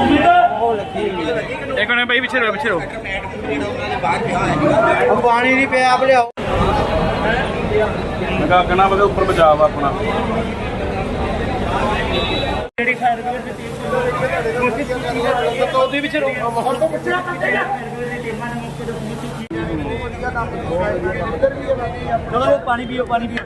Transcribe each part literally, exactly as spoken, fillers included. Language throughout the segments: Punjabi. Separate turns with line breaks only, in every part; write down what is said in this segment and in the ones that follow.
एक मिनट भाई पीछे रहो पीछे रहो
पानी नहीं पे आप लियाओ
कहना पता ऊपर बचाव अपना
पानी पियो पानी पियो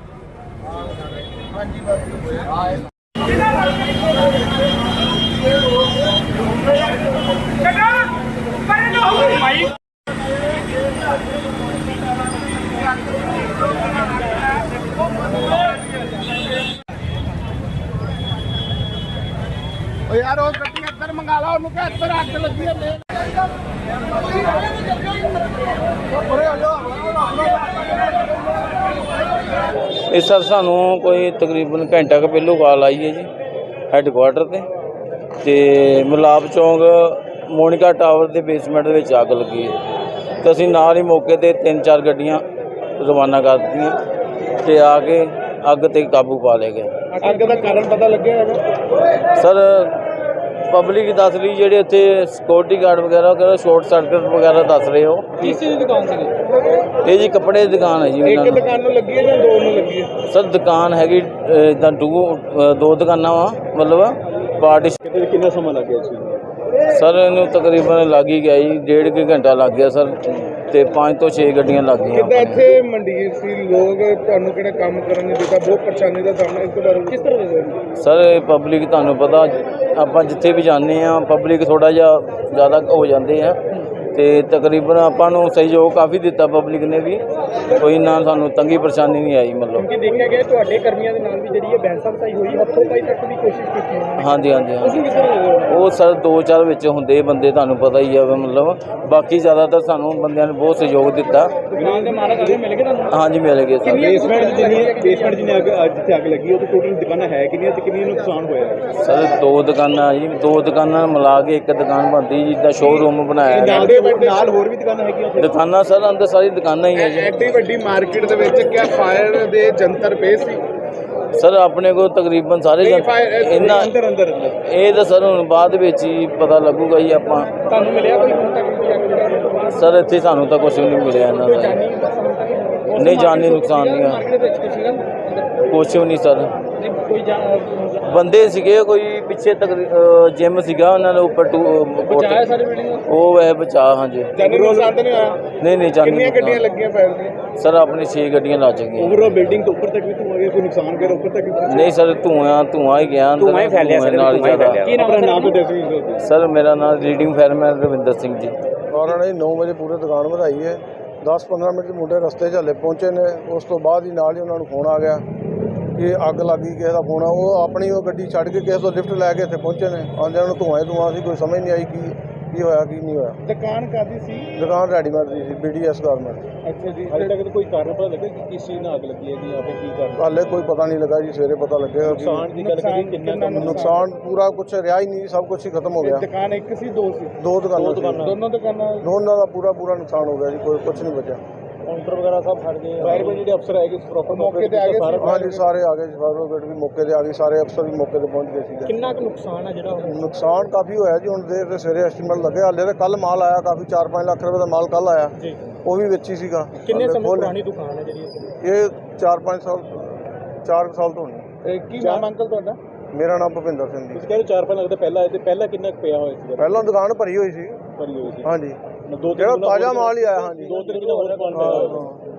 यार वो गड्डी अंदर मंगा लो उनको अंदर आग लगी है
इस सर सानू कोई तकरीबन घंटा क पहलू कॉल आई है जी हैडकुआटर ते ते मलाप चौंक मोनिका टावर के बेसमेंट में अग लगी है तो असीं नाल ही मौके ते तीन चार गड्डियां रवाना कर दित्तियां ते आके अग ते काबू पा लिया गया।
अग का कारण पता लगे
सर पब्लिक दस रही जेडे इत्थे सिक्योरिटी गार्ड वगैरह कहते शॉर्ट सर्किट वगैरह दस रहे हो।
किस चीज़ की दुकान सी?
ये जी कपड़े की दुकान है जी।
एक दुकान में लगी है या दो में लगी है?
सर दुकान हैगी इदा टू दो दुकाना वा मतलब पार्टी।
कितना समय लग गया इस
सर इन्हू तकरीबन लग ही गया जी डेढ़ के घंटा लग गया सर ते पाँच तो छे गड्डियां लग गई।
कितना इत्थे मंडीर सी लोग ਤੁਹਾਨੂੰ ਕਿਹੜਾ ਕੰਮ ਕਰਨ ਨਹੀਂ ਦਿੱਤਾ ਬਹੁਤ ਪਰੇਸ਼ਾਨੀ ਦਾ ਸਾਹਮਣਾ ਇਸ ਬਾਰੇ ਕਿਸ ਤਰ੍ਹਾਂ ਦੇ
ਸਰ ਪਬਲਿਕ ਤੁਹਾਨੂੰ ਪਤਾ ਆਪਾਂ ਜਿੱਥੇ ਵੀ ਜਾਂਦੇ ਆ ਪਬਲਿਕ ਥੋੜਾ ਜਿਹਾ ਜ਼ਿਆਦਾ ਹੋ ਜਾਂਦੇ ਆ ਤੇ ਤਕਰੀਬਨ ਆਪਾਂ ਨੂੰ ਸਹਿਯੋਗ ਕਾਫੀ ਦਿੱਤਾ ਪਬਲਿਕ ਨੇ ਵੀ ਕੋਈ ਨਾ ਸਾਨੂੰ ਤੰਗੀ ਪਰੇਸ਼ਾਨੀ ਨਹੀਂ ਆਈ ਮਤਲਬ
ਕਿ ਦੇਖਿਆ ਗਿਆ ਤੁਹਾਡੇ ਕਰਮੀਆਂ ਦੇ ਨਾਲ ਵੀ ਜਿਹੜੀ ਹੈ ਬੈਂਸਾਂ ਸਾਈ ਹੋਈ ਹੱਥੋਂ ਪਾਈ ਤੱਕ ਦੀ ਕੋਸ਼ਿਸ਼ ਕੀਤੀ ਉਹਨਾਂ ਨੇ।
ਹਾਂਜੀ ਹਾਂਜੀ
ਤੁਸੀਂ ਕਿਸ ਤਰ੍ਹਾਂ
ਉਹ ਸਰ ਦੋ ਚਾਰ ਵਿੱਚ ਹੁੰਦੇ ਬੰਦੇ ਤੁਹਾਨੂੰ ਪਤਾ ਹੀ ਆ ਮਤਲਬ ਬਾਕੀ ਜ਼ਿਆਦਾਤਰ ਸਾਨੂੰ ਬੰਦਿਆਂ ਨੇ ਬਹੁਤ ਸਹਿਯੋਗ ਦਿੱਤਾ।
ਦੁਕਾਨ ਦੇ ਮਾਲਕ ਅਗੇ ਮਿਲ ਗਏ ਤੁਹਾਨੂੰ?
ਹਾਂਜੀ ਮਿਲ ਗਏ ਸਰ।
ਬੇਸਮੈਂਟ ਜਿੰਨੀ ਬੇਸਮੈਂਟ ਜਿੰਨੀ ਅੱਗ ਜਿੱਥੇ ਅੱਗ ਲੱਗੀ ਉਹ ਟੋਟਲ ਦੁਕਾਨਾਂ ਹੈ ਕਿੰਨੀਆਂ ਤੇ ਕਿੰਨੀ ਨੁਕਸਾਨ ਹੋਇਆ?
ਸਰ ਦੋ ਦੁਕਾਨਾਂ ਜੀ ਦੋ ਦੁਕਾਨਾਂ ਮਿਲਾ ਕੇ ਇੱਕ ਦੁਕਾਨ ਬਣਦੀ ਜਿੱਦਾਂ ਸ਼ੋਰੂਮ ਬਣਾਇਆ
ਨਾਲ ਨਾਲ ਹੋਰ ਵੀ ਦੁਕਾਨਾਂ ਹੈਗੀਆਂ ਉੱਥੇ?
ਦੁਕਾਨਾਂ ਸਰ ਅੰਦਰ ਸਾਰੀ ਦੁਕਾਨਾਂ ਹੀ ਹੈ ਜੀ।
ਐਡੀ ਵੱਡੀ ਮਾਰਕੀਟ ਦੇ ਵਿੱਚ ਕਿਆ ਫਾਇਰ ਦੇ ਜੰਤਰ ਪਏ ਸੀ?
ਸਰ ਆਪਣੇ ਕੋਲ ਤਕਰੀਬਨ ਸਾਰੇ ਇਹਨਾਂ
ਅੰਦਰ ਅੰਦਰ ਅੰਦਰ
ਇਹ ਤਾਂ ਸਰ ਹੁਣ ਬਾਅਦ ਵਿੱਚ ਹੀ ਪਤਾ ਲੱਗੂਗਾ ਜੀ ਆਪਾਂ।
ਤੁਹਾਨੂੰ ਮਿਲਿਆ ਕੋਈ ਹੁਣ ਤੱਕ?
ਸਰ ਇੱਥੇ ਸਾਨੂੰ ਤਾਂ ਕੁਝ ਵੀ ਨਹੀਂ ਮਿਲਿਆ ਇਹਨਾਂ ਦਾ। ਨਹੀਂ ਜਾਨੀ ਨੁਕਸਾਨ ਨਹੀਂ ਆ ਕੁਛ ਵੀ ਨਹੀਂ ਸਰ। ਬੰਦੇ ਸੀਗੇ ਕੋਈ ਪਿੱਛੇ ਤੱਕ ਜਿਮ ਸੀਗਾ ਉਹਨਾਂ ਦੇ ਉੱਪਰ ਟੂ ਉਹ ਹੈ ਬਚਾ। ਹਾਂਜੀ
ਜਾਨੀ ਨੁਕਸਾਨ ਤਾਂ ਨਹੀਂ ਹੋਇਆ?
ਨਹੀਂ ਨਹੀਂ ਜਾਨੀ
ਕਿੰਨੀਆਂ ਗੱਡੀਆਂ ਲੱਗੀਆਂ ਫਾਇਰ ਦੀਆਂ?
ਸਰ ਆਪਣੇ ਛੇ ਗੱਡੀਆਂ ਲੱਗ ਗਈਆਂ।
ਓਵਰਆਲ ਬਿਲਡਿੰਗ ਤੋਂ ਉੱਪਰ ਤੱਕ ਵੀ ਧੂਆਂ ਗਿਆ ਕੋਈ ਨੁਕਸਾਨ ਕਰ ਉੱਪਰ ਤੱਕ?
ਨਹੀਂ ਸਰ ਧੂਆਂ ਧੂਆਂ ਹੀ ਗਿਆ ਅੰਦਰ। ਧੂਆਂ ਹੀ ਫੈਲਿਆ ਸਰ ਨਾਲ ਜ਼ਿਆਦਾ।
ਕੀ ਨਾਮ ਨਾਮ ਤੇ ਦੱਸੋ
ਸਰ ਮੇਰਾ ਨਾਮ ਰੀਡਿੰਗ ਫਾਇਰਮੈਨ ਰਵਿੰਦਰ ਸਿੰਘ ਜੀ।
ਕਾਰਨ ਨੇ ਨੌ ਵਜੇ ਪੂਰੇ ਦੁਕਾਨ ਵਧਾਈ ਹੈ। ਦਸ ਪੰਦਰਾਂ ਮਿੰਟ ਮੁੰਡੇ ਰਸਤੇ 'ਚ ਹਲੇ ਪਹੁੰਚੇ ਨੇ। ਉਸ ਤੋਂ ਬਾਅਦ ਹੀ ਨਾਲ ਹੀ ਉਹਨਾਂ ਨੂੰ ਫੋਨ ਆ ਗਿਆ ਕਿ ਅੱਗ ਲੱਗ ਗਈ। ਕਿਸੇ ਦਾ ਫੋਨ ਆ ਉਹ ਆਪਣੀ ਉਹ ਗੱਡੀ ਛੱਡ ਕੇ ਕਿਸੇ ਤੋਂ ਲਿਫਟ ਲੈ ਕੇ ਇੱਥੇ ਪਹੁੰਚੇ ਨੇ। ਆਉਂਦਿਆਂ ਨੂੰ ਧੂਆਂ ਹੀ ਧੂਆਂ ਸੀ ਕੋਈ ਸਮਝ ਨਹੀਂ ਆਈ ਕੀ ਕੀ ਹੋਇਆ ਕੀ ਨਹੀਂ ਹੋਇਆ।
ਦੁਕਾਨ ਕਾਦੀ ਸੀ?
ਦੁਕਾਨ ਰੈਡੀਮੇਡ ਦੀ ਸੀ ਬੀ ਡੀ ਐਸ ਗਾਰਮੈਂਟ।
ਅੱਛਾ ਜੀ ਹਾਲੇ ਤੱਕ ਕੋਈ ਕਾਰਨ ਪਤਾ ਲੱਗਾ ਕਿ ਕਿਸ ਚੀਜ਼ ਨਾਲ ਅੱਗ ਲੱਗੀ ਹੈ ਜਾਂ ਫਿਰ ਕੀ ਕਾਰਨ?
ਹਾਲੇ ਕੋਈ ਪਤਾ ਨਹੀਂ ਲੱਗਾ ਜੀ ਸਵੇਰੇ ਪਤਾ ਲੱਗੇਗਾ।
ਨੁਕਸਾਨ ਦੀ ਗੱਲ ਕਰੀ ਕਿੰਨਾ
ਨੁਕਸਾਨ ਪੂਰਾ ਕੁਛ ਰਿਹਾ ਹੀ ਨਹੀਂ ਸਭ ਕੁਛ ਹੀ ਖਤਮ ਹੋ ਗਿਆ।
ਦੁਕਾਨ ਇੱਕ ਸੀ ਦੋ ਸੀ?
ਦੋ ਦੁਕਾਨਾਂ
ਦੋਨੋਂ ਦੁਕਾਨਾਂ
ਦੋਨਾਂ ਦਾ ਪੂਰਾ ਪੂਰਾ ਨੁਕਸਾਨ ਹੋ ਗਿਆ ਜੀ ਕੋਈ ਕੁਛ ਨਹੀਂ ਬਚਿਆ।
ਕਾਊਂਟਰ ਵਗੈਰਾ ਸਭ ਫੜ ਗਏ? ਫਾਇਰ ਬ੍ਰਿਗੇਡ ਦੇ ਅਫਸਰ ਆਏ ਪ੍ਰੋਪਰ ਮੌਕੇ ਤੇ ਆ ਗਏ?
ਹਾਂਜੀ ਸਾਰੇ ਆ ਗਏ ਜੀ। ਫਾਇਰ ਬ੍ਰਿਗੇਡ ਵੀ ਮੌਕੇ ਤੇ ਆ ਗਈ ਸਾਰੇ ਅਫਸਰ ਵੀ ਮੌਕੇ ਤੇ ਪਹੁੰਚ ਗਏ ਸੀ।
ਕਿੰਨਾ ਕੁ ਨੁਕਸਾਨ ਹੈ ਜਿਹੜਾ
ਨੁਕਸਾਨ ਕਾਫੀ ਹੋਇਆ ਜੀ। ਹੁਣ ਦੇਰ ਤੇ ਸਵੇਰੇ ਐਸਟੀਮੇਟ ਲੱਗੇ ਹਾਲੇ ਤਾਂ ਕੱਲ ਮਾਲ ਆਇਆ ਕਾਫੀ ਚਾਰ ਪੰਜ ਲੱਖ ਰੁਪਏ ਦਾ ਮਾਲ ਕੱਲ ਆਇਆ
ਜੀ
ਉਹ ਵੀ ਵਿੱਚ ਹੀ ਸੀਗਾ।
ਕਿੰਨੇ ਸਮੇਂ ਪੁਰਾਣੀ ਦੁਕਾਨ ਹੈ ਜਿਹੜੀ
ਇਹ ਚਾਰ ਪੰਜ ਸਾਲ ਚਾਰ ਸਾਲ ਤੋਂ ਹੋਣੀ।
ਕੀ ਨਾਮ ਅੰਕਲ ਤੁਹਾਡਾ?
ਮੇਰਾ ਨਾਮ ਭੁਪਿੰਦਰ ਸਿੰਘ ਜੀ।
ਤੁਸੀਂ ਕਹਿੰਦੇ ਚਾਰ ਪੰਜ ਲੱਗਦਾ ਪਹਿਲਾਂ ਤੇ ਪਹਿਲਾਂ ਕਿੰਨਾ ਪਿਆ ਹੋਇਆ ਸੀ?
ਪਹਿਲਾਂ ਦੁਕਾਨ ਭਰੀ ਹੋਈ ਸੀ।
ਭਰੀ ਹੋਈ ਸੀ
ਹਾਂਜੀ
ਦੋ
ਜਿਹੜਾ ਤਾਜ਼ਾ ਮਾਲ ਹੀ ਆਇਆ। ਹਾਂਜੀ
ਦੋ ਤਿੰਨ ਕਿਲੋ ਹੋਰ ਪਾਣ ਪਿਆ ਹੋਇਆ।